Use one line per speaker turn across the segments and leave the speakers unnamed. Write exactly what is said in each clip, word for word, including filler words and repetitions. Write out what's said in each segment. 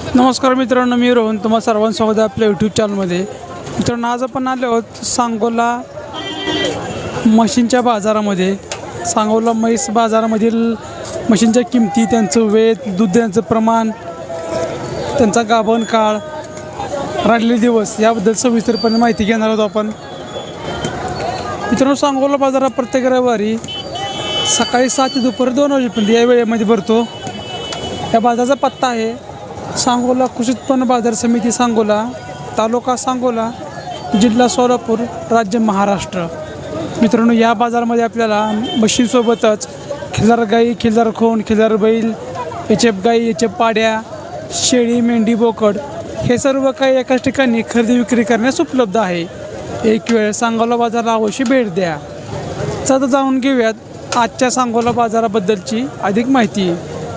नमस्कार मित्रांनो, मी रोहन तुम्हा सर्वांचं स्वागत आहे आपल्या यूट्यूब चॅनलमध्ये. मित्रांनो, आज आपण आलो आहोत सांगोला म्हशींच्या बाजारामध्ये. सांगोला म्हैस बाजारामधील म्हशींच्या किमती, त्यांचं वेत, दूध देण्याचं प्रमाण, त्यांचा गाभण काळ, राहिलेले दिवस याबद्दल सविस्तरपणे माहिती घेणार आहोत आपण. मित्रांनो, सांगोला बाजारात प्रत्येक रविवारी सकाळी सात ते दुपारी दोन वाजेपर्यंत या वेळेमध्ये भरतो. या बाजाराचा पत्ता आहे सांगोला कृषी उत्पन्न बाजार समिती, सांगोला, तालुका सांगोला, जिल्हा सोलापूर, राज्य महाराष्ट्र. मित्रांनो, या बाजारामध्ये आपल्याला म्हशीसोबतच खिल्लार गाई, खिल्लार खोंड, खिल्लार बैल, एचएफ गाई, एचएफ पाड्या, शेळी, मेंढी, बोकड हे सर्व काही एकाच ठिकाणी खरेदी विक्री करण्यास उपलब्ध आहे. एक वेळ सांगोला बाजाराला अवश्य भेट द्या. चला जाणून घेऊयात आजच्या सांगोला बाजाराबद्दलची अधिक माहिती.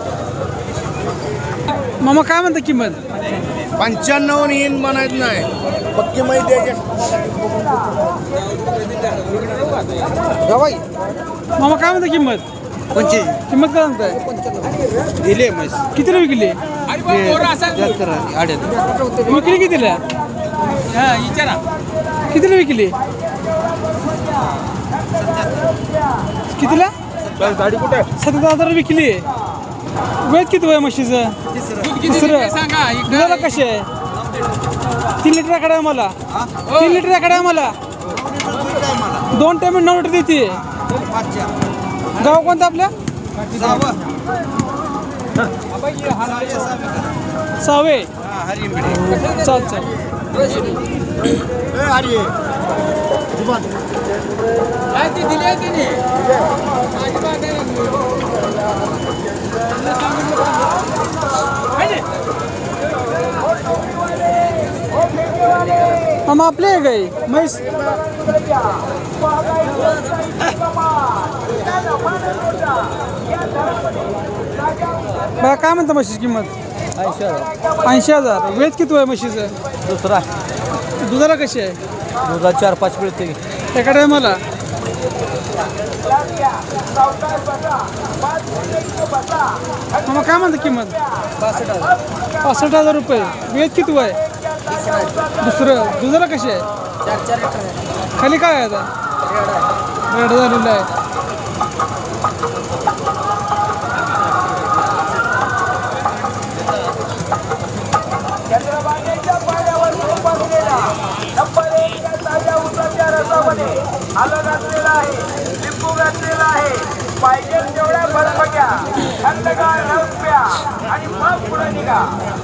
मामा, काय म्हणता किंमत?
पंच्याण्णव येईन म्हणायचं नाही, पक्की माहिती आहे.
मामा, काय म्हणता किंमत?
पंचे
किंमत काय सांगताय?
दिले म्हैस
कितीला विकली? विकली कितीला? कितीला विकली? कितीला?
गाडी कुठे?
सतरा हजार विकली. वेद किती वय म्हशीचं? तिसरं. दुधाला कशी आहे? तीन लिटर कडे आहे मला. तीन लिटर कडे आहे मला. दोन टाइम नऊ लिटर देते. गाव कोणतं आपल्या? सावे. चाल चाल. हम आपले आहे गाई म्हैस. बघा, काय म्हणता म्हशीची किंमत?
ऐंशी हजार.
ऐंशी हजार. वेद किती आहे म्हशीचं?
दुसरा.
दुधाला कशी आहे?
दुधा चार पाच मिळते.
एका टायमाला. मग काय म्हणता किंमत?
पासष्ट हजार.
पासष्ट हजार रुपये. वेद किती आहे? दुसरं. दुधाला कशी आहे?
चार चार लिटर.
खाली काय आहे आता? रेड झालेलं आहे.
आलं घातलेलं आहे, लिंबू घातलेला आहे. पाहिजे तेवढ्या बर्फ घ्या, थंडगार रस प्या आणि मग पुढे निघा.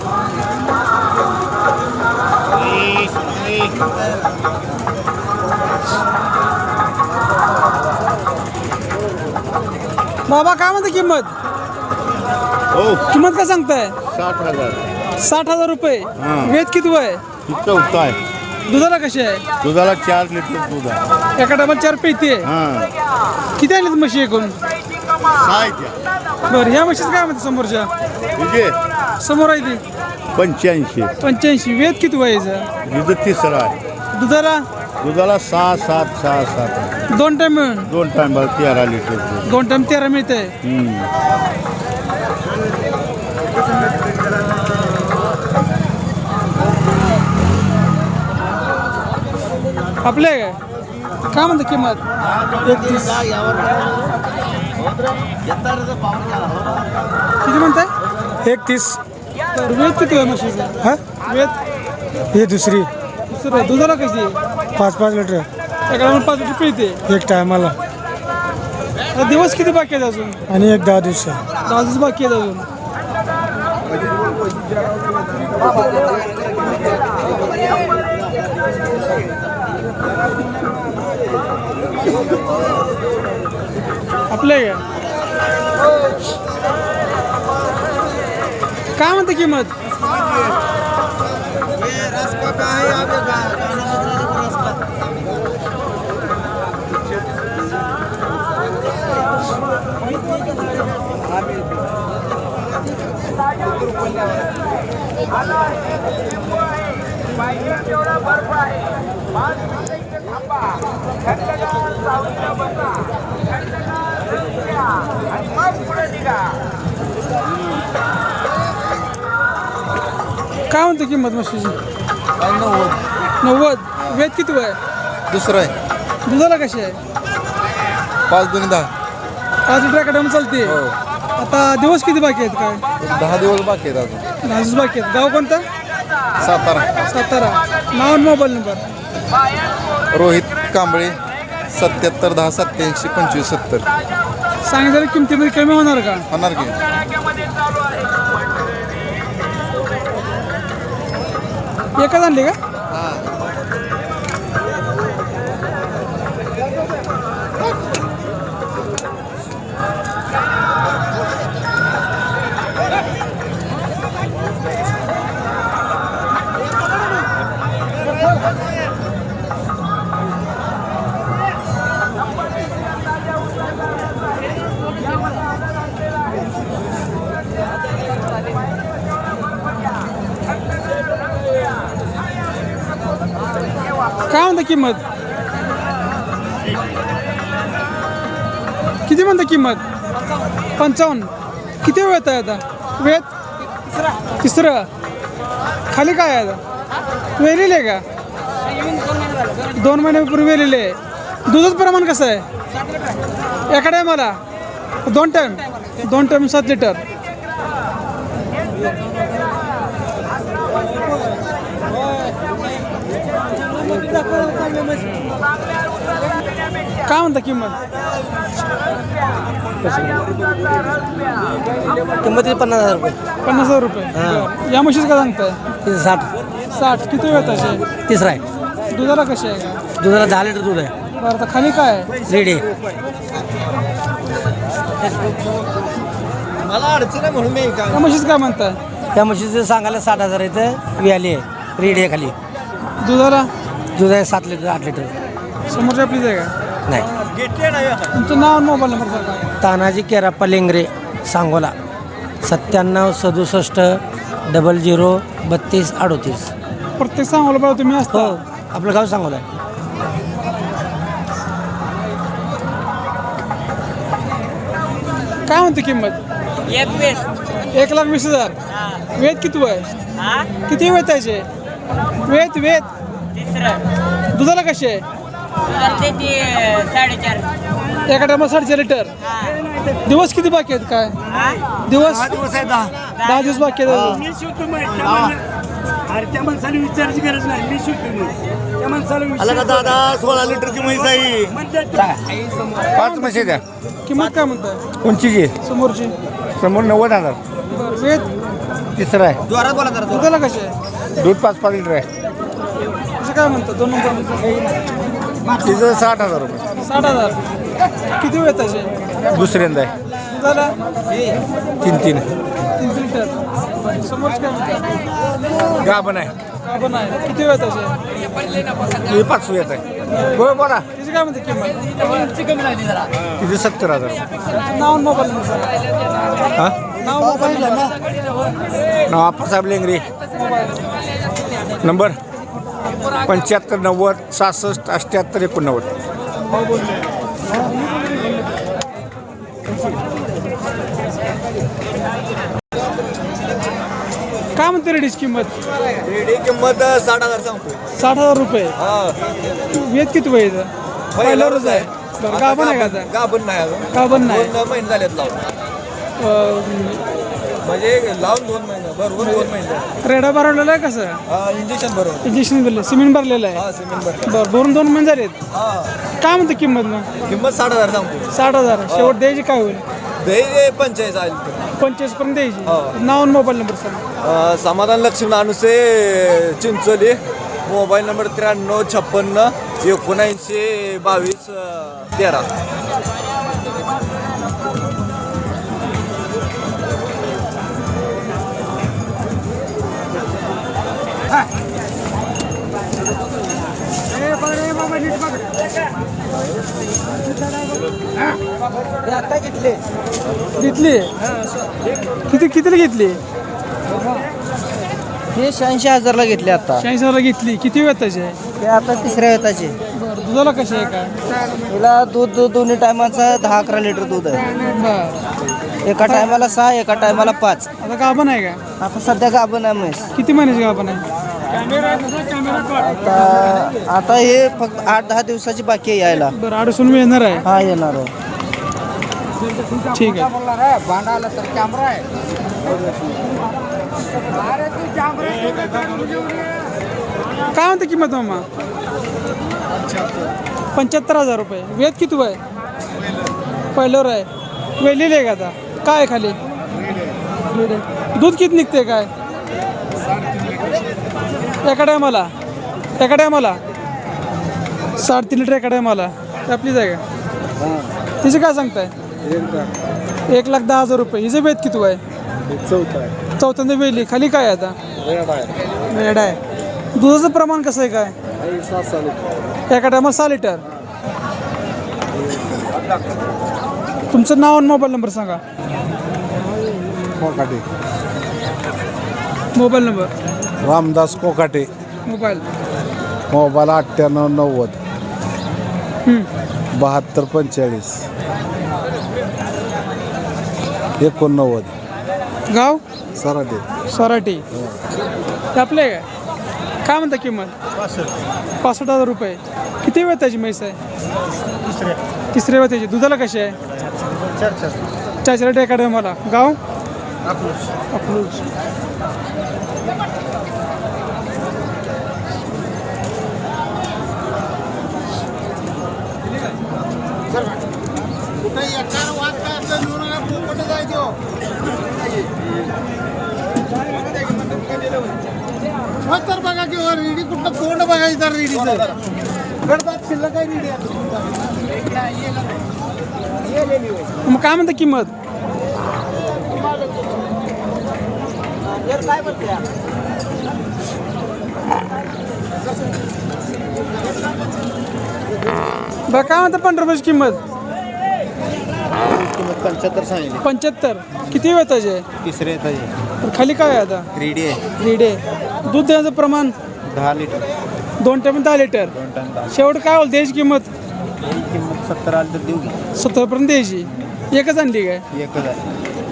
बाबा, काय म्हणता किंमत?
हो,
किंमत काय सांगताय?
साठ हजार.
साठ हजार रुपये. वेद किती आहे?
इतकं उत्तर आहे.
दुधाला कशी आहे?
दुधाला चार लिटर दूध आहे.
एका टायमाला चार पेती आहे.
हां,
किती आणलीत म्हशी एकूण?
साहित्य
बरं, ह्या म्हशीचं काय म्हणते समोरच्या?
तुझे
समोर आहे ती
पंच्याऐंशी.
पंच्याऐंशी. वेद किती व्हायचं?
दुध तिसरा आहे.
दुधाला
दुधाला सहा सात सहा सात
दोन टाइम मिळून
दोन टाइम तेरा लिटर दूध.
दोन टाइम तेरा मिळते.
हम्म.
आपले काय काय म्हणता किंमत? एकतीस. किती म्हणताय?
एकतीस.
तर वेद किती आहे म्हशीचं?
हा,
वेद
हे दुसरी.
दुसरं. दुधाला कशी आहे?
पाच पाच लिटर
एका टायमाला पाच लिटर पिळते.
एक टायमाला.
आता दिवस किती बाकी आहेत अजून?
आणि एक दहा दिवस.
दहा दिवस बाकी आहेत अजून. आपले काय म्हणते किंमत?
पाहिजे तेवढा बर्फ आहे. पाच मिनिटं थांबा, थंडगार सावलीला बसा, थंडगार रस प्या आणि मग पुढे निघा.
काय म्हणतो किंमत म्हशीची? नव्वद. वेद किती आहे?
दुसरं आहे
दुधाला कशी आहे?
पाच दोन्ही दहा
पाच लिटर कडम चालते. आता दिवस किती बाकी आहेत? काय
दहा दिवस बाकी आहेत अजून.
दहा दिवस बाकी आहेत. गाव कोणतं?
सातारा.
सातारा. नाव आणि मोबाईल नंबर?
रोहित कांबळे सत्याहत्तर दहा सत्याऐंशी पंचवीस सत्तर.
सांगितलेल्या किमतीमध्ये कमी होणार का?
होणार की
एकच आणली का? काय म्हणता किंमत? किती म्हणता किंमत? पंचावन्न. किती वेळ आहे आता? वेळ तिसरं. खाली काय आहे आता? वेलेले आहे का? दोन महिन्यापूर्वी वेलेले आहे. दुधाचं प्रमाण कसं आहे? एका टायमाला दोन टाईम दोन टाईम सात लिटर. काय म्हणता किंमत?
किंमत पन्नास हजार रुपये.
पन्नास हजार रुपये. बरं. या म्हशीचं काय सांगताय?
साठ.
साठ. किती वेळ त्याचे?
तिसरा आहे.
दुधाला कशी आहे का?
दुधाला दहा लिटर दूध आहे.
बरं. आता खाली काय आहे?
रेडी आहे.
मला अडचण आहे म्हणून मी
या म्हशीचं काय म्हणताय?
त्या म्हशीचं सांगायला साठ हजार इथं व्याली आहे. रेडी आहे खाली.
दुधाला
दूध आहे सात लिटर आठ लिटर.
समोरच्या आपलीच आहे का?
नाही.
तुमचं नाव आणि मोबाईल नंबर सांगा.
तानाजी केराप्पा लेंगरे सांगोला सत्त्याण्णव सदुसष्ट डबल झिरो बत्तीस अडोतीस.
प्रत्येक सांगोला बघा तुम्ही असता.
हो आपलं गाव सांगोला आहे.
काय म्हणते किंमत? एक लाख वीस हजार. वेद किती आहे? किती वेळ त्याचे? वेद वेद दुधाला कशी आहे?
साडेचार.
एका टायमाला साडेचार लिटर. दिवस किती बाकी आहेत? काय दिवस? दहा दिवस बाकी आहेत.
त्या माणसाला विचारायची गरज नाही. मी शिकतो. त्या माणसाला
दादा सोळा लिटरची म्हैस आहे. पाच म्हशी द्या.
किंमत काय म्हणताय?
उंचीची
समोरची?
समोर नव्वद हजार.
बरं. वेद
तिसरं आहे.
दुधाला कशी आहे?
दूध पाच पाच लिटर आहे.
कसं काय म्हणतात? दोन नंबर
तिचं साठ हजार रुपये.
साठ हजार. किती वेळ त्याचे?
दुसऱ्यांदा आहे.
दुधाला
तीन तीन
तीन लिटर. समोरच काय म्हणतात?
गाभण आहे.
आपण आहे. किती वेळ त्याचे?
हे पाच येत आहे. बरं बोला.
तिची काय म्हणते किंमत?
तिथे सत्तर हजार रुपये.
नाव आणि मोबाईल नंबर सांगा.
हां
नाव मोबाईल नंबर.
नाव आप्पासाहेब लेंगरे. नंबर पंच्याहत्तर नव्वद सहासष्ट अठ्ठ्याहत्तर एकोणनव्वद.
काय म्हणते रेडीची किंमत?
रेडी किंमत साठ हजार सांगतो.
साठ हजार रुपये.
हा
वेद किती वय आहे? पहिल्यावरच आहे. बरं. गाभण आहे का आता?
गाभण नाही अजून.
गाभण नाही.
दोन महिने झालेत लावून.
अं,
म्हणजे लावून दोन महिने बरोबर दोन महिने.
रेडा भरवलेला आहे कसं?
इंजेक्शन बरोबर.
इंजेक्शन भरलं, सिमेंट भरलेलं आहे.
हा सिमेंट बरोबर.
बरं. भरून दोन महिने झालेत.
हा
काय म्हणते किंमत मग?
किंमत साठ हजार सांगतो.
साठ हजार. शेवट द्यायची काय होईल?
दही पंचेचाळीस आले.
पंचवीस पर्यंत द्यायची.
हो.
नाव आणि मोबाईल नंबर सांगा.
समाधान लक्ष्मण अनुसे चिंचोली. मोबाईल नंबर त्र्याण्णव छप्पन्न एकोणऐंशी बावीस तेरा.
घेतली? किती कितीला घेतली?
हे शहाऐंशी हजारला घेतले आता.
शहाऐंशी हजारला घेतली. किती वेळ त्याचे?
हे आता तिसऱ्या वेताचे.
बरं. दुधाला कशी आहे काय?
हिला दूध दोन्ही टायमाचा दहा अकरा लिटर दूध आहे.
बरं.
एका टायमाला सहा एका टायमाला पाच.
आता गाभण आहे का?
आता सध्या गाभण आहे म्हैस
किती महिन्याची गाभण आहे?
आता आता हे फक्त आठ दहा दिवसाची बाकी आहे यायला.
बरं अडसून मी येणार आहे.
हा येणार आहे.
ठीक आहे. काय म्हणते किंमत मामा? पंच्याहत्तर हजार रुपये. वेद किती आहे? पहिल्यावर आहे. वेलेली आहे का आता? काय आहे खाली? वेल आहे. दूध किती निघते काय एका टायमाला? एका टायमाला साडेतीन लिटर एका टायमाला. आपलीच आहे का? तिचे काय सांगताय? एक लाख दहा हजार रुपये. हिचं वेद किती आहे? चौथ्यांदा वेली. खाली काय आहे आता? वेड आहे. दुधाचं प्रमाण कसं आहे काय? एका टायमाला सहा लिटर. तुमचं नाव आणि मोबाईल नंबर सांगा.
Kokate
mobile number.
Ramdas Kokate.
Mobile
mobile अठ्ठ्याण्णव नव्वद बहात्तर पंचेचाळीस एकोणनव्वद.
गाव
सराटे.
सराटी. ते आपले आहे काय? काय म्हणता किंमत? पासष्ट हजार रुपये. किती वेळ त्याची म्हैस आहे? तिसऱ्या वेळ त्याची. दुधाला कशी आहे? चार चार एका टायमाला. गाव अकलूज.
तर बघा किंवा रेडी कुठं तोंड बघायचं तर रेडीचं गडदात शिल्लक काय रेडी
मग काय म्हणता किंमत? बरं काय म्हणता पंधरा रुपयाची किंमत?
पंच्याहत्तर सांगितले.
पंच्याहत्तर. किती वेळ त्याचे?
तिसरे येतात.
खाली काय आहे आता?
रेडी आहे.
रेडे. दूध देण्याचं प्रमाण?
दहा लिटर.
दोन टाइम दहा लिटर. शेवट काय होईल द्यायची किंमत?
किंमत सत्तर आली तर देऊ की.
सत्तरपर्यंत द्यायची. एकच आणली काय?
एक हजार.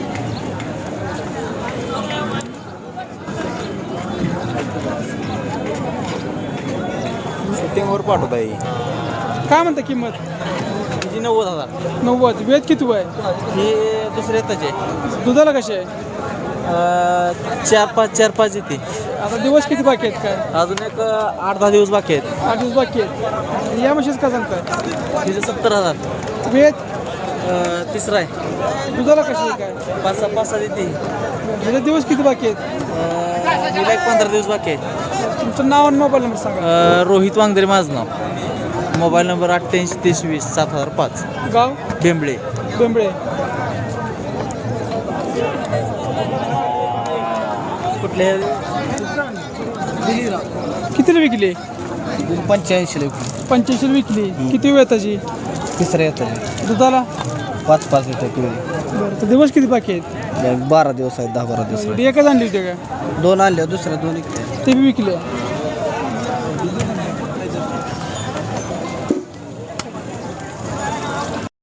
शूटिंगवर पाठवता येईल.
काय म्हणता किंमत?
तिची नव्वद हजार.
नव्वद. वेद किती आहे?
हे दुसरे येताचे.
दुधाला कशी आहे?
चार पाच चार पाच येते.
आता दिवस किती बाकी आहेत काय?
अजून एक आठ दहा दिवस बाकी आहेत.
आठ दिवस बाकी आहेत. या म्हशीच का सांगताय?
तिचे सत्तर हजार.
वेद
तिसरा आहे.
दुधाला कशी आहे काय?
पाच सहा पाच सहा येते.
म्हणजे दिवस किती बाकी आहेत?
हिला एक पंधरा दिवस बाकी आहेत.
तुमचं नाव आणि मोबाईल नंबर सांगा.
अ, रोहित वांगदरे माझं नाव. मोबाईल नंबर अठ्ठ्याऐंशी तेवीस वीस सात हजार पाच.
गाव
बेंबळे.
बेंबळे.
कुठले?
कितीला विकली?
पंच्याऐंशी
पंच्याऐंशी विकली. किती वेळ त्याची?
तिसऱ्या येतात.
दुधाला?
पाच पाच लिटर किलो.
बरं तर दिवस किती बाकी आहेत?
बारा दिवस आहेत. दहा बारा दिवस.
एकच आणली होती का?
दोन आणले दुसऱ्या दोन
ते बी विकले.